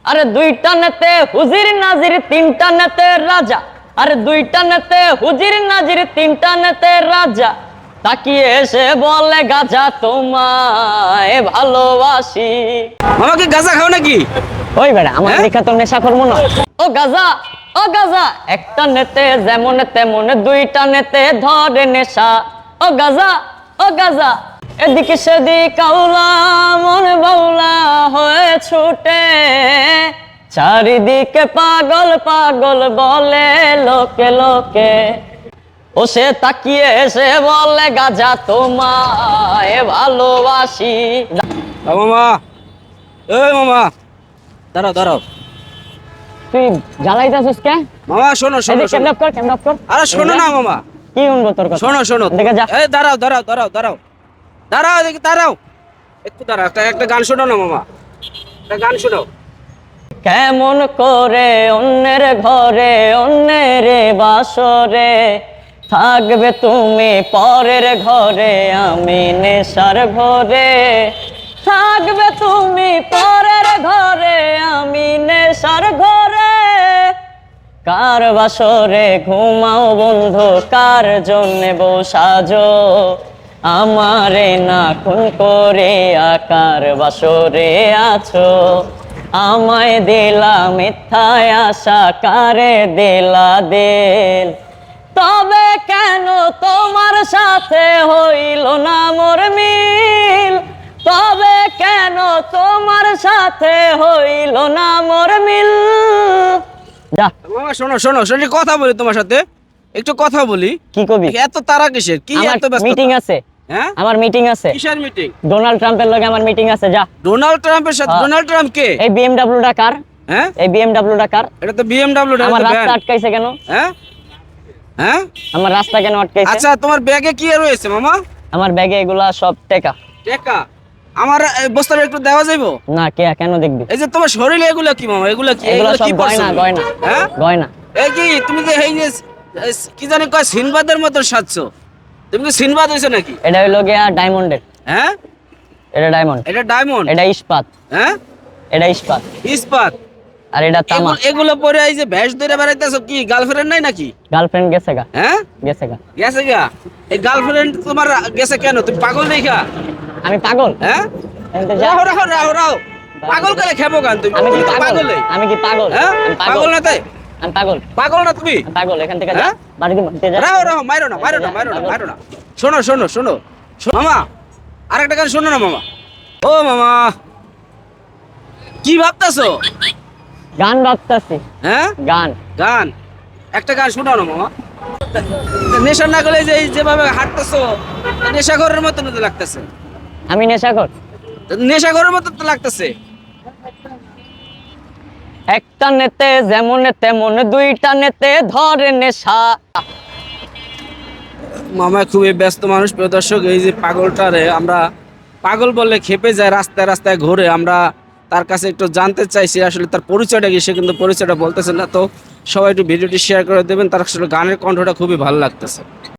আরে দুইটা নেতে হুজির নাজির তিনটা নেতে রাজা, আরে দুইটা নেতে হুজির নাজির তিনটা নেতে রাজা, তাকিয়ে এসে বলে গাজা তোমায় ভালোবাসি। মামা কি গাঁজা খাও নাকি? ওই বেড়া আমার হ্যাঁ? দেখা তো নেশা করবো না। ও গাজা, ও গাজা, একটা নেতে যেমন তেমন দুইটা নেতে ধরে নেশা। ও গাজা, ও গাজা, এদিকে সেদিক আউলা মন বাউলা হয়ে ছুটে, চারিদিকে পাগল পাগল বলে লোকে লোকে। ও সে তাকিয়ে এসে বলে গাজা তোমায় ভালোবাসি। মামা, এই মামা, দাঁড়াও দাঁড়াও। তুই জ্বালাইতেছিস কে? মামা শোনো শোনো শোনো। ক্যামেরা কর, ক্যামেরা কর। আরে শোনো না মামা, কি শুনবো তোর কথা? শোনো শোনো। দেখে যা। এই দাঁড়াও দাঁড়াও দাঁড়াও দাঁড়াও দাঁড়াও, দেখি দাঁড়াও, একটু দাঁড়াও, একটা গান শোনো না মামা, একটা গান শোনো। কেমন করে অন্যের ঘরে অন্যের বাসরে থাকবে তুমি পরের ঘরে, আমি নেশার ঘরে থাকবে তুমি পরের ঘরে, আমি নেশার ঘরে। কার বাসরে ঘুমাও বন্ধু, কার জন্যে বসাজো আমারে না খুন করে, আকার বাসরে আছো আমায় দিলা মিথ্যায় আশা, কারে দিলা দিল। তবে কেন তোমার সাথে হইল না মোর মিল, তবে কেন তোমার সাথে হইল না মোর মিল। যা মামা শোনো শোনো শোনো, কথা বলি তোমার সাথে, একটু কথা বলি। কি কবি? এত তারা কিসের? কি আমার এত ব্যস্ত? মিটিং আছে, হ্যাঁ, আমার মিটিং আছে। কিসের মিটিং? ডোনাল্ড ট্রাম্পের লগে আমার মিটিং আছে। যা। ডোনাল্ড ট্রাম্পের সাথে? হ্যাঁ। ডোনাল্ড ট্রাম্প কে? এই বিএমডব্লিউ টা কার? হ্যাঁ, এই বিএমডব্লিউ টা কার? এটা তো বিএমডব্লিউ। আমার রাস্তা আটকাইছে কেন? হ্যাঁ হ্যাঁ, আমার রাস্তা কেন আটকাইছে? আচ্ছা তোমার ব্যাগে কি রয়েছে মামা? আমার ব্যাগে এগুলা সব টাকা। টাকা? আমার এই বস্তাটা একটু দেওয়া যাইবো? না কে কেন দেখবি? এই যে তোমার শরীরে এগুলা কি মামা? এগুলা কি? এগুলা সব কি গয়না, পছন্দ? গয়না, হ্যাঁ, গয়না। এই কি তুমি যে এই যে কি জানি কয় সিনবাদের মতো সাজছো, তুমি কি সিনবাদ হইছো নাকি? এটা হইলো গিয়া ডায়মন্ডের। হ্যাঁ, এটা ডায়মন্ড, এটা ডায়মন্ড। এটা ইস্পাত, হ্যাঁ, এটা ইস্পাত, ইস্পাত। আর এটা তামা। এগুলো পরে এই যে ভ্যাস ধরে বেড়াইতেছো, কি গার্লফ্রেন্ড নাই নাকি? গার্লফ্রেন্ড গেছে গা, হ্যাঁ, গেছে গা। গেছে গা? এই গার্লফ্রেন্ড তোমার গেছে কেন? তুমি পাগল দেখা? আমি পাগল? হ্যাঁ, এনতে যা। রাহো রাহো রাহো রাহো, পাগল করে খেপো কেন তুমি? আমি কি তুমি তো পাগল? পাগলে। আমি কি পাগল? হ্যাঁ, আমি পাগল না তাই? আমি পাগল, পাগল না তুমি? আমি পাগল। এখান থেকে যা, হ্যাঁ? বাড়িতে বাড়িতে যা। রাহো রাহো, মাইরো না মাইরো না মাইরো না মাইরো না। শোনো শোনো শোনো মামা, আরেকটা গান শোনো না মামা। ও মামা, কি ভাবতাছো? গান ভাবতাছি। হ্যাঁ, গান। গান? একটা গান শোনাও না মামা। নেশা না করলে যে যেভাবে হাঁটতেছো, নেশাখোরের মতো তো লাগতেছে। আমি নেশাখোর? নেশাখোরের মতো তো লাগতেছে। একটা নেতে যেমন তেমন দুইটা নেতে ধরে নেশা। মামা খুবই ব্যস্ত মানুষ, প্রিয় দর্শক। এই যে পাগলটারে আমরা পাগল বললে খেপে যায়, রাস্তায় রাস্তায় ঘুরে। আমরা তার কাছে একটু জানতে চাইছি আসলে তার পরিচয়টা কি, সে কিন্তু পরিচয়টা বলতেছে না। তো সবাই একটু ভিডিওটি শেয়ার করে দেবেন, তার আসলে গানের কণ্ঠটা খুবই ভালো লাগতেছে।